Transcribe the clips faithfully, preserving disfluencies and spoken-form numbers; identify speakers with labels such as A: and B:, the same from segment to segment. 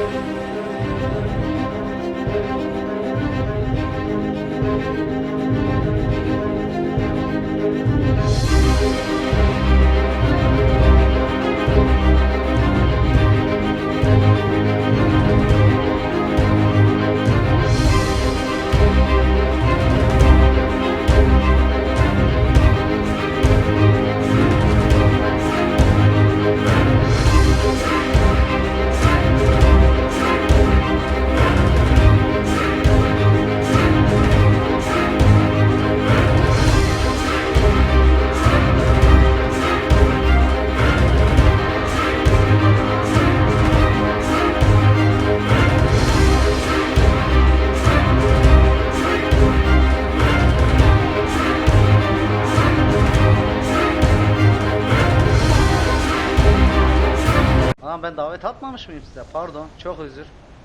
A: Lan ben davet atmamış mıyım size? Pardon, çok özür.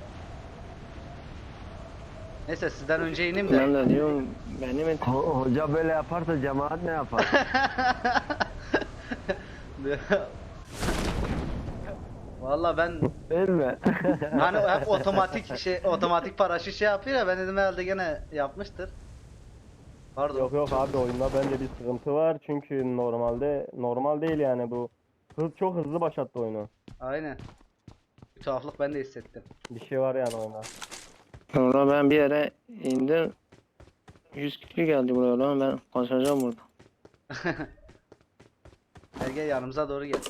A: Neyse sizden önce ineyim de.
B: Ben de diyorum benim
C: Ho- Hoca böyle yaparsa cemaat ne yapar?
A: Vallahi ben
C: Değil mi?
A: hani hep otomatik şey otomatik paraşüt şey yapıyor ya, ben dedim herhalde gene yapmıştır. Pardon.
D: Yok yok abi, oyunda bence bir sıkıntı var çünkü normalde normal değil yani bu. Hız çok hızlı başlattı oyunu.
A: Aynen. Bir tuhaflık ben de hissettim.
D: Bir şey var yani oyunda.
B: sonra ben bir yere indim. yüz kişi geldi buraya lan, ben kaçacağım burada.
A: Gel gel yanımıza doğru gel.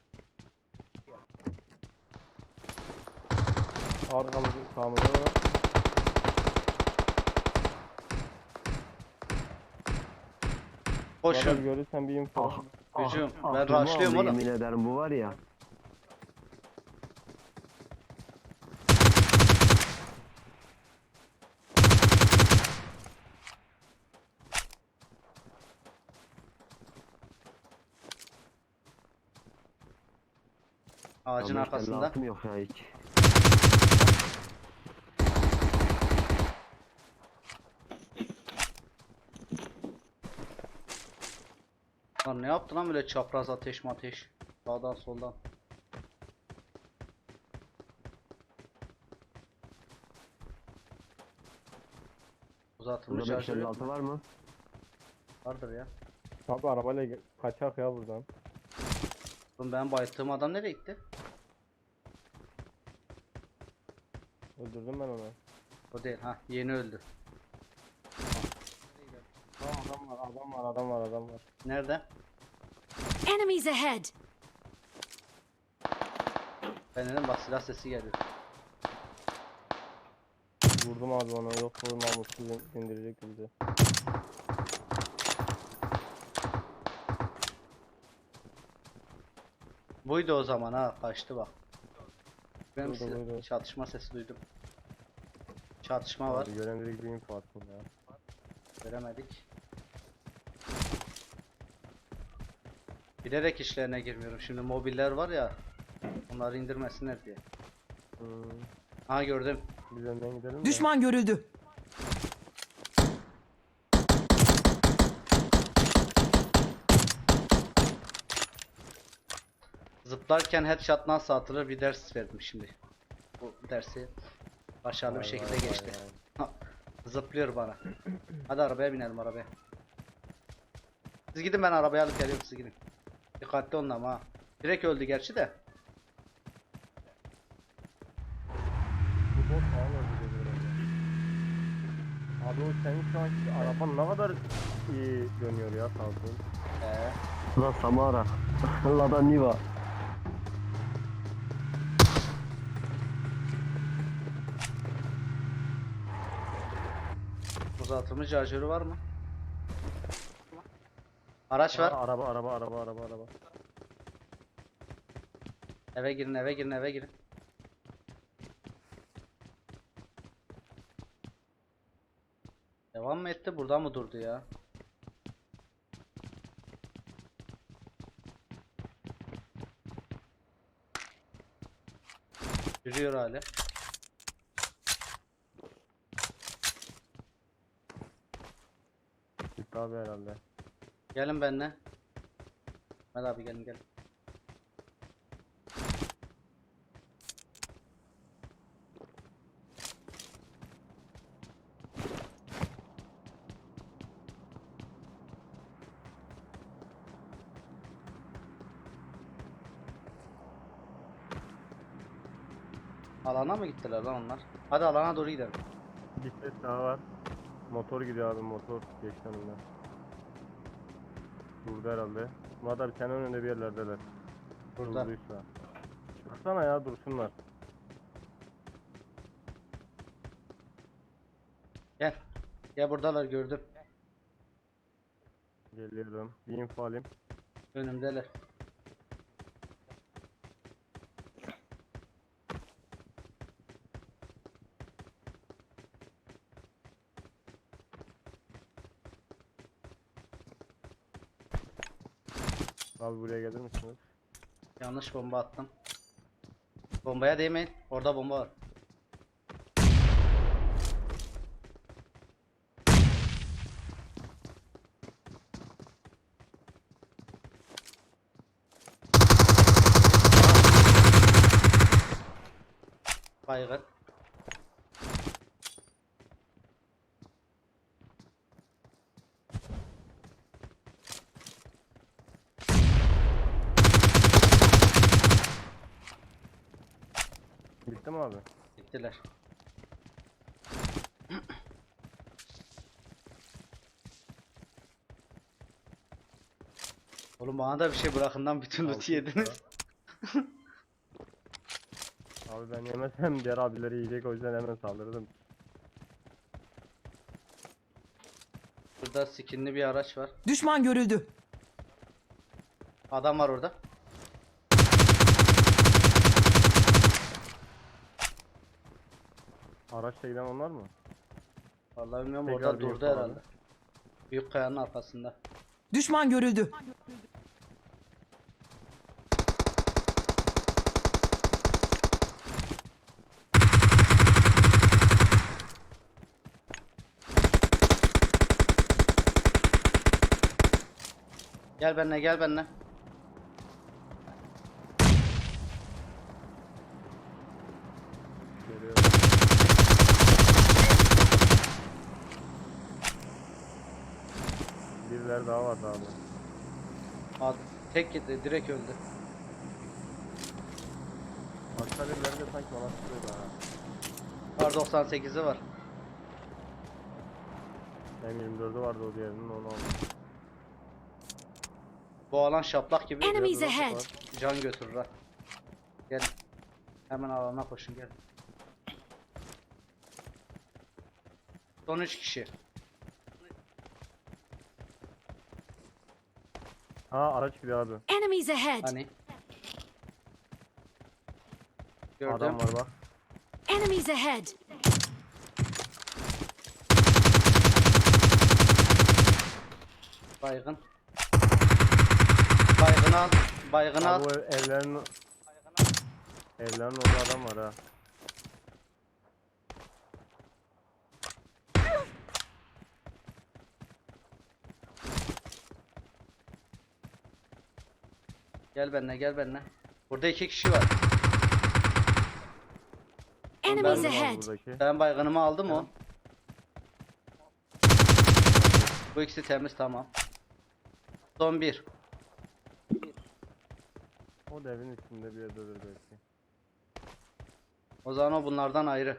D: Arkamızı sağımızda var. Bana
A: Koşun.
D: görürsen bir info.
C: Ah, ah,
A: Hücum. Ben
C: aklımı
A: rushlıyorum
C: aldı,
A: oğlum.
C: Yemin ederim bu var ya.
A: Ağacın
C: Ama
A: arkasında.
C: lafım yok ya hiç.
A: Lan ne yaptı lan böyle çapraz ateş ateş. Sağdan soldan. Uzatılmış
C: Burada beş
A: şarjör
C: elli
A: yok
C: altı
A: mu?
C: var mı?
A: Vardır ya.
D: Abi arabayla ge- kaçak ya buradan.
A: Oğlum ben bayıttığım adam nereye gitti?
D: Öldürdüm ben onu.
A: O değil ha, yeni öldü.
D: Ha, adam var adam var adam var adam var.
A: Nerede?
E: Enemies ahead!
A: Ben dedim bak silah sesi geliyor.
D: Vurdum abi onu, yoksa o namussuz in- indirecek bizi.
A: Buydu o zaman ha, kaçtı bak. Ben
D: Buydu,
A: size-
D: buydu.
A: çatışma sesi duydum. Çatışma var.
D: Abi gören direkt bir info attım ya.
A: Göremedik. Bilerek işlerine girmiyorum. Şimdi mobiller var ya. Onları indirmesinler diye.
D: Hmm.
A: Ha gördüm.
D: Biz önden gidelim de.
F: Düşman görüldü.
A: Zıplarken headshot nasıl atılır bir ders verdim şimdi. Bu dersi başarılı bir
D: Vay
A: şekilde
D: vay vay
A: geçti.
D: vay.
A: Ha, zıplıyor bana. Hadi arabaya binelim arabaya. Siz gidin, ben arabaya alıp geliyorum, siz gidin. Dikkatli olun ama ha. Direkt öldü gerçi de.
D: Bu bot falan öldü dedi herhalde. Abi o senin şu anki araban ne kadar iyi dönüyor ya sağ olsun.
A: Ee,
C: La Samara. La da Niva.
A: uzatılmış şarjörü var mı? Araç
D: Aa,
A: var.
D: araba araba araba araba araba.
A: Eve girin, eve girin, eve girin. Devam mı etti? Burada mı durdu ya? Yürüyor hala.
D: Gitti abi herhalde.
A: Gelin benimle. Hadi abi gelin gelin. Alana mı gittiler lan onlar? Hadi alana doğru gidelim.
D: Bir ses daha var. Motor gidiyor abi, motor geçti önümden. Durdu herhalde. Murat abi senin önünde bir yerlerdeler.
A: Burada.
D: Durduysa. Çıksana ya, dursunlar.
A: Gel. Gel buradalar gördüm.
D: Geliyorum. Bir info alayım.
A: Önümdeler.
D: Abi buraya gelir misiniz?
A: Yanlış bomba attım. Bombaya değmeyin. Orada bomba var. Baygın.
D: Bitti mi abi?
A: Gittiler. Oğlum bana da bir şey bırakın lan, bütün loot'u
D: Altı
A: yediniz.
D: Abi ben yemesem diğer abileri yiyecek, o yüzden hemen saldırdım.
A: Burada skinli bir araç var.
F: Düşman görüldü.
A: Adam var orada.
D: Araçla giden onlar mı?
A: Vallahi bilmiyorum,
D: Tekrar
A: orada
D: bir
A: durdu
D: info
A: herhalde. Büyük kayanın arkasında.
F: Düşman görüldü.
A: Gel benimle, gel benimle.
D: Geliyorum. Birileri daha var abi.
A: Al, tek gitti, direkt öldü.
D: Başka birileri de sanki bana tutuyordu ha.
A: Var doksan sekizi var.
D: M yirmi dördü vardı o diğerinin, onu aldım.
A: Bu alan şaplak gibi.
E: Enemies
D: Drop
E: ahead.
D: var.
A: Can götürür ha. Gel. Hemen alana koşun, gel. Son üç kişi.
D: Ha, araç gidiyor abi.
E: Enemies ahead.
A: Hani? Gördüm.
D: Adam var bak.
E: Enemies ahead.
A: Baygın. Baygın al. Baygın al.
D: Abi bu ev- evlerin evlerin orada adam var ha.
A: Gel benimle, gel benimle. Burada iki kişi var.
E: Enemies
A: Ben-
E: ahead.
D: Buradaki.
A: Ben baygınımı aldım o. Bu ikisi temiz, tamam. Son bir.
D: O da evin içinde bir yerdedir belki.
A: O zaman o bunlardan ayrı.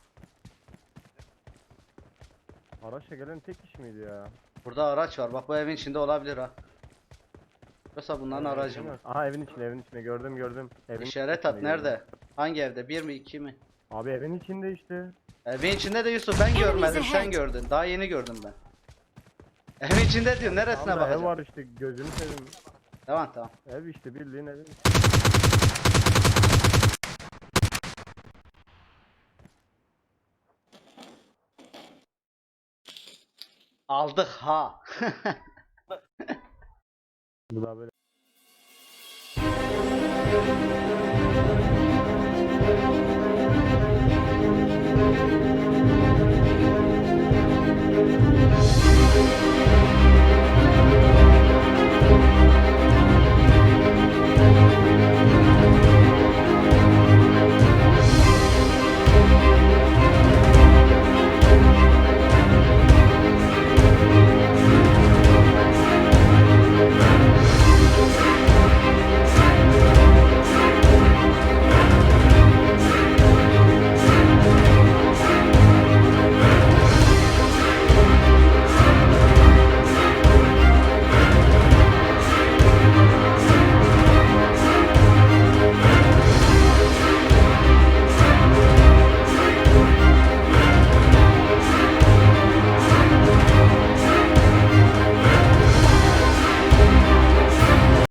D: Araçla gelen tek kişi miydi ya?
A: Burada araç var. Bak bu evin içinde olabilir ha. Yoksa bunların
D: Evin
A: aracı
D: içinde
A: mı?
D: mi? Aha, evin içinde, evin içinde gördüm gördüm. Evin
A: İşaret
D: içinde
A: at, nerede?
D: gördüm.
A: Hangi evde? Bir mi, iki mi?
D: Abi evin içinde işte.
A: Evin içinde de Yusuf, ben
E: Enemies
A: görmedim, sen
E: ahead.
A: gördün. Daha yeni gördüm ben. Evin içinde diyor, neresine
D: Tamam da ev
A: bakacağım?
D: var işte, gözünü seveyim.
A: Tamam tamam.
D: Ev işte, bildiğin ev.
A: Aldık ha.
D: Bu da böyle.